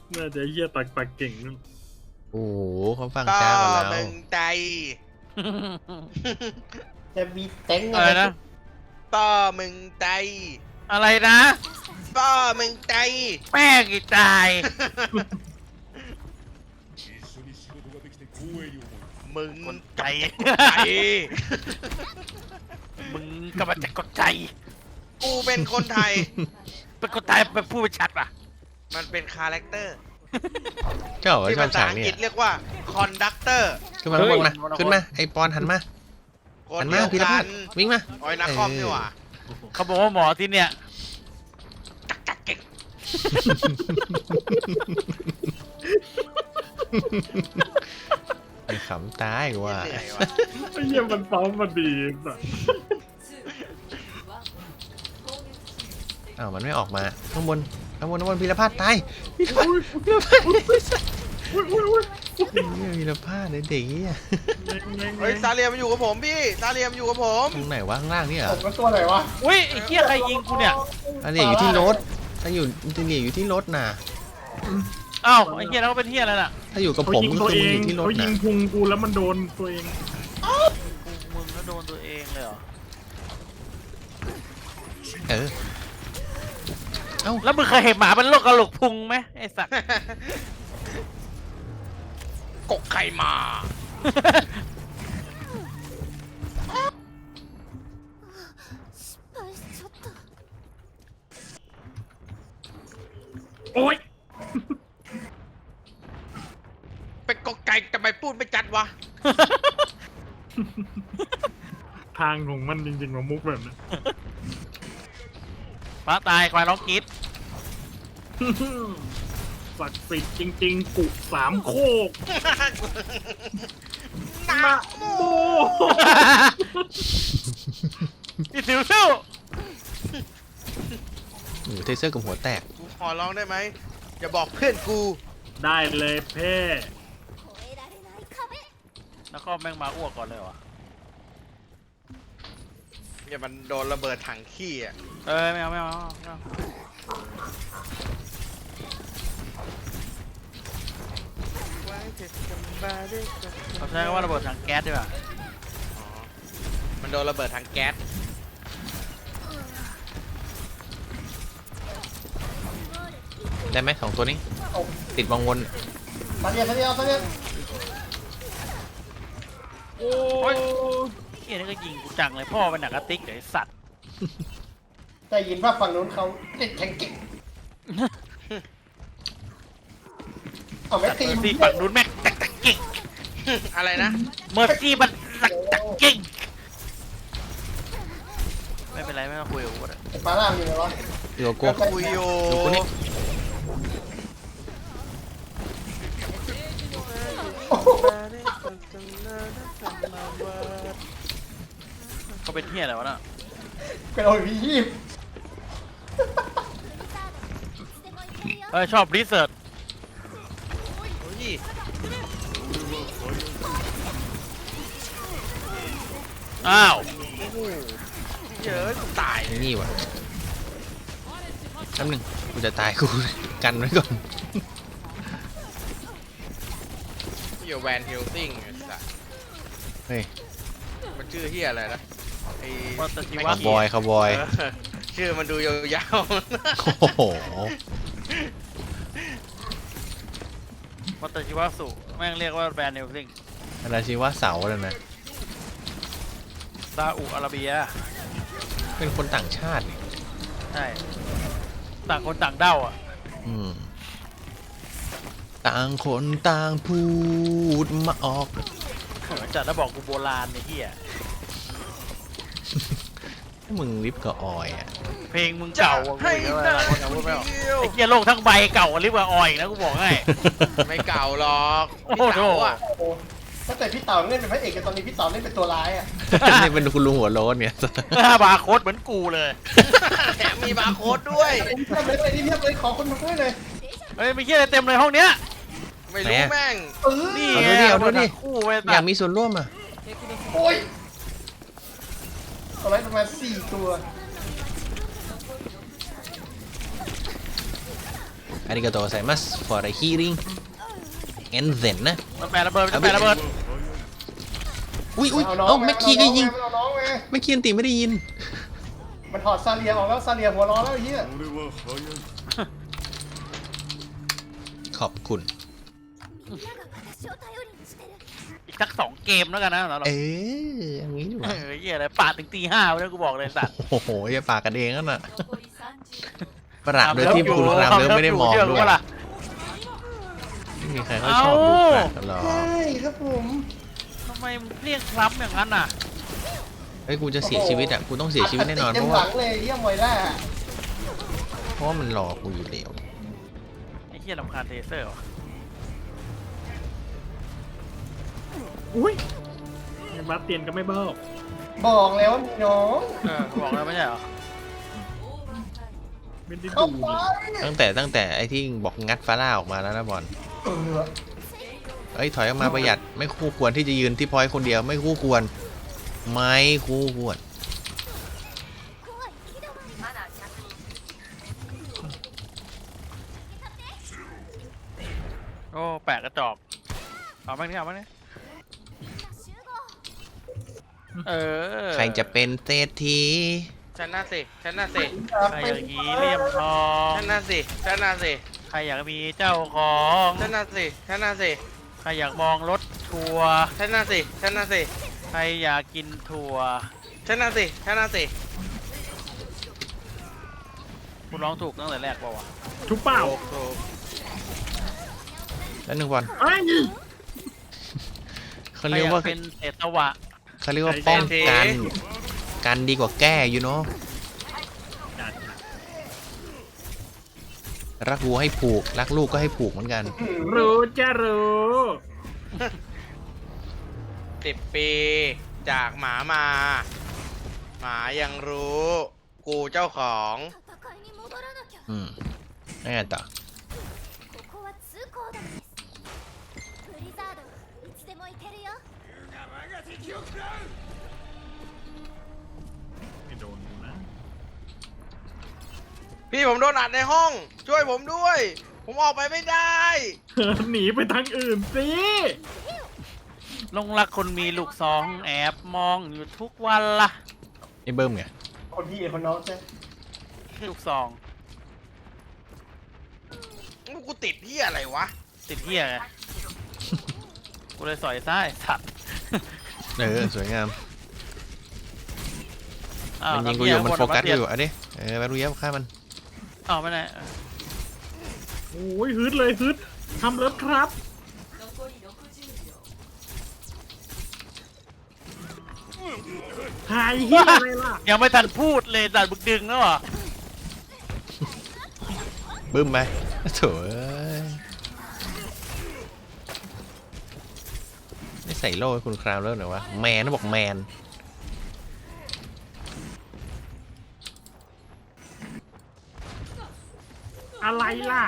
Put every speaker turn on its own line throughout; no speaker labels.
น่าจะเหี้ยตักปากเก่งนั่น
โอ้โหเขาฟัง
ก็
ช้ากว่าเรา
มึงใจ
จะมีเต็ง
อะไรนะ
ก็มึงใจ
อะไรนะ
ก็มึงใจ
แม่กี่ตาย
มึง
คนใจ
ใจ
มึงกำลังจะกดใจ
กูเป็นคนไทย
เป็นคนตายเป็นผู้ชัดป่ะ
มันเป็นคาแรคเตอร์
เจ้าเหรอ
ที่
ชอ
ภา
บ
ษา
ฉาก
อัง
นี้
กฤษเรียกว่าคอนดักเตอร์
ขึ้นมาข้างบนมาขึ้นมาไอปอนหันมา
คน
หัน
เดี
มา
ยว
พีร
กั
พัฒ
น
น์วิ่งมา
ออยนักคอมนี่หว่า
เขาบอกว่าหมอที่เนี่ย
ไอขำตายกูว่า
เหนื่อยวะ
ไอ้เหี้ยมันซ้อมมาดีสัส
อ้าวมันไม่ออกมาข้างบนพีรพัฒน์ตายพีรพัฒน์พีรพัฒน์
อุ้ยอุ้ยอุ้ย
พีรพัฒน์เด็กๆอ่ะ
เฮ้ยซาเลียมอยู่กับผมพี่ซาเลียมอยู่กับผม
ตรงไหนวะข้างล่างนี่เหร
ผ
อ
มก็ตัวไหนวะ
อุ้ยไอ้เหี้ยใครยิงกูเนี่ย
อันนี้อยู่ที่รถถ้าอยู่ที่นี่อยู่ที่รถน่ะ
อ้าวไอ้เหี้ยแล้วก็เป็นเหี้ยอะไรล่ะ
ถ้าอยู่กับ
เขา
ผม
ยิง
ก็
ตัว
คือ
เอ
มึง
ง
อยู่ที่รถ
เขายิ
น่ะ
งพุงกูแล้วมันโดนตัวเอง
มึงก็โดนตัวเองเลยเหรอ
เออ
แล้วมึงเคยเห็นหมาเป็นโรคกระโหลกพุงไหมไอ้สัตว์
กกไข่มา
โอ้ย
เป็นกกไก่ทำไมพูดไม่จัดวะ
ทางของมันจริงๆของมุกแบบนี้
ฟ้าตายควายร้องกรีด
ศักดิ์สิทธิ์จริงๆกุสามโคก
นะโม
โอ้
พี่สิวสู้
โอ้โหเทเซอร์กับหัวแตก
กูขอร้องได้ไหมอย่าบอกเพื่อนกู
ได้เลยเพ่
แล้วก็แม่งมาอ้วกก่อนเลยวะ
อย่ามันโดนระเบิดถังขี้อ่ะ
ไม่เอาไม่เอาไม่เอาเขาใช้คำว่าระเบิดถังแก๊สดีกว่า
อ๋อมันโดนระเบิดถังแก๊ส
ได้ไหมสองตัวนี้
โอ้
ติดวังวน
ตาเดียวตาเดียวตาเดียว
โอ้ย
เฮียนี่ก็ยิงกูจังเลยพ่อเป็นหนังกระติกเดี๋ยวไอ้สัตว์
ได้ยินว่าฝั่งนู้นเขาเล่นแข่งเก่งเอาแม็กตีม
ที่ฝั่งนู้นแม่งตักตักเก่ง
อะไรนะ
เมอร์ซี่มันตักตักเก่งไม่เป็นไรไม่ต้องคุยกับกูเลย
ไอ้ปลาล่ามอยู่ไหนวะ
อยู่กับกู
คุยอยู่
ดูกูนี่
โอ้โห
เขาเป็นเฮียอะไรวะน่ะ
เป็นโอ้ยพี่ยีบ
ชอบรีเสิร์ช
โอ้ย
อ้าว
เยอะตาย
ไอ้นี่วะแป๊บนึงกูจะตายกู กันไว้ก่อน
อยู่แวนฮิลซิงไอ้สัส
เฮ้ย
มันชื่อเฮียอะไรนะไอ้
วัตชิ
คาว
ะ
บอยคาวบอย
เออชื่อมันดูยาว
โอ้โห
วัตชิวะสุแม่งเรียกว่าแบรนด์เนลซิง
อะไรชีว่าเสาเลยนะ
ซาอุอาระเบีย
เป็นคนต่างชาตินี่
ใช่ต่างคนต่างเด้าอ่ะ
อืมต่างคนต่างพูดมาออก
จัดแล้วบอกกูโบราณไอ้เหี้ย
ให้มึงลิฟต์กับออยอ่ะ
เพลงมึง
ๆจะ
เก่าอ่ะกู
ให้
อีกแล้ว
ได้
นะคนพูดไม่ออก
เดียว
ไอ้เหี้ยโลกทั้งใบเก่ากว่าลิเวอร์ออยอีกนะกูบอกให้
ไม่เก่าหรอก
โอ้
พี่
โห
เต๋าอ่ะ
โอ้โหตั้งแต่พี่เต่าเล่นเป็นพระเอกกันตอนนี้พี่เต่าเล่นเป็นตัวร้ายอ่ะ
นี่เป็นคุณลุงหัวโล้นเนี่ย
บาร์โค้ดเหมือนกูเลย
แถมมีบาร์โค้ดด้วย
เทียบเลยไปนี่เทียบเลยขอคนมาด้วยเลย
เฮ้ยมีเหี้ยอะไรเต็มเลยห้องเนี้ย
ไม่รู้แม่ง
เออ
นี่
เอาดูดิ
คู่ไป
อยากมีส่วนร่วมอ่ะ
โอ้ยเอาไว้ประมาณ4 ตัว
อาริกาโตไซมัส for the healing and then นะ
มันแปะระเบิดมันแปะระเบิด
อุ้ย
เอาน้อง
เอ้าแม็กกี้ก็ยิง
เอาน้องไง
แม็กกี้อันตีไม่ได้ยิน
มันถอดซาเลียออกแล้วซาเลียหัวร้อนแล้วไอ้เหี้ย
ขอบคุณ
อีกสัก2 เกมแล้วกันนะเรา
เอออย่างนี้ดีกว่า
เหี้ยอะไรปาดถึงตี 5เลยกูบอกเลยสัตว์
โอ้โหอย่าปากกันเองนั่นน่ะประหลาดโดยที่คุณรามเริ่มไม่ได้มอง
เชื่
ด้ว
กู
ย
ปะล่ะ
ไม่มีใครเขาชอบดูแปลกกันหรอก
ใช่ครับผม
ทำไมมึงเรียกครับอย่างนั้นน่ะ
เฮ้ยกูจะเสียชีวิตอ่ะกูต้องเสียชีวิตแน่นอนเพ
เต็ม
ราะ
ห
ว่า
ลังเลยเหี้ยมวยล่า
เพราะว่ามันรอกูอยู่แล้ว
ไอ้เหี้ยรำคาญเทเซอร์ว่ะ
อุ้ยบาสเตียนก็ไม่เบ้า
บอกแล้วว่ามีน้อง
กูบอกแล้วไม่ใช่เหรอ
ไม่ได้
เข้า
ดู
ไป
ตั้งแต่ไอ้ที่บอกงัดฟาร่าออกมาแล้วนะบอล
เออ
เอ้ยถอยออกมาประหยัดไม่คู่ควรที่จะยืนที่พอยต์คนเดียวไม่คู่ควรไม่คู่ควร
โอ้แปะกระจอกเอาบ้างนี่เอาบ้างนี่เออ
ใครจะเป็นเศรษฐี
ชนะสิชนะสิ
ใครอยากมีเหลี่ยมทอง
ชนะสิชนะสิ
ใครอยากมีเจ้าของ
ชนะสิชนะสิ
ใครอยากมองรถทัวร์
ชนะสิชนะสิ
ใครอยากกินถั่ว
ชนะสิชนะสิ
กูร้องถูกตั้งแต่แรกเปล่าวะ
ทุกเป้า
ถูก
แล้วหนึ่งบอล
ไอ้ย
เขาเรียกว่า
ใครอเป็นเศษตวะ
เขาเรียกว่าป้องกันกันดีกว่าแก้อยู่เนาะรักวัวให้ผูกรักลูกก็ให้ผูกเหมือนกัน
รู้จะรู้
10 ปีจากหมามา หมายังรู้ กูเจ้าของ
อืมแล้วไงต่อ
ไม่โดนกูนะ
พี่ผมโดนอัดในห้อง ช่วยผมด้วย ผมออกไปไม่ได้
หนีไปทางอื่นสิ
ลงรักคนมีลูกสองแอบมองอยู่ทุกวันละ
ไอ้เบิ้มไง
คนพี่คนน้องใช่
ลูกซอง
กูติดที่อะไรวะ
ติดเหี้ยไงกูเลยสอยซ้ายสัตว์
สวยงาม
อ้าว
มันยิงกูอยู่มันโฟกัสกูอยู่อ่ะดิมาดูเย็บฆ่ามัน
อ้าวไม่ได้
โอ้ยฮึดเลยฮึดทำเลิฟครับถ่ายเฮียอะไรล่ะ
ยังไม่ทันพูดเลยดัดบึกดึงแล้วเหรอ
บึ้มไปโถ่เอ้ยไม่ใส่โล่ให้คุณคราวแล้วเหรอวะแมนนะบอกแมน
อะไรล่ะ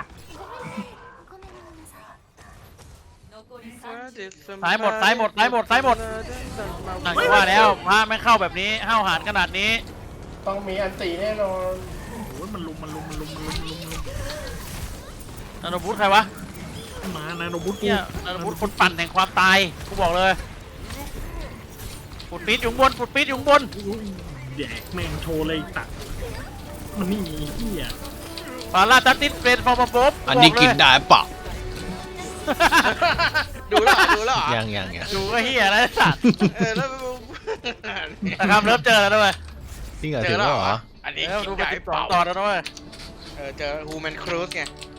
ซ้ายหมดซ้ายหมดซ้ายหมดซ้ายหมดนั่นก็ว่าแล้วพระไม่เข้าแบบนี้ห้าวหาญขนาดนี้
ต้องมีอันตีแน่นอน
โอ้ยมันลุม
นาโนบุตใครวะ
มานาโนบุตกู
เนี่ยนาโนบุตคนปั่นแห่งความตายกูบอกเลยปุดปี๊ดอยู่ข้างบนปุดปี๊ดอยู่ข้างบน
อุ้ยแดกแม่งโชว์เลยตัดมันนี่เฮีย
ปาราตัดติสเป็นฟอร์มบ๊อบ
อันนี้กินได้ปะ
ดูแล้วเหรอดูแล้วเหรอ
ยัง
ดูก็เฮียแล้วสัตว์
แล้ว
นะครับเริ่มเจอแล้วด้วย
จริงเหรอ
เจ
ถึ
อง แล้ว
แล้ว
เห
เห
ร
ร
อ
อ
อันนี้
เออ
กิ
ดู
น
ไป
ได้
12
เปล่า
ตอนแล้วด้วย
เจอฮูแมนครูซไง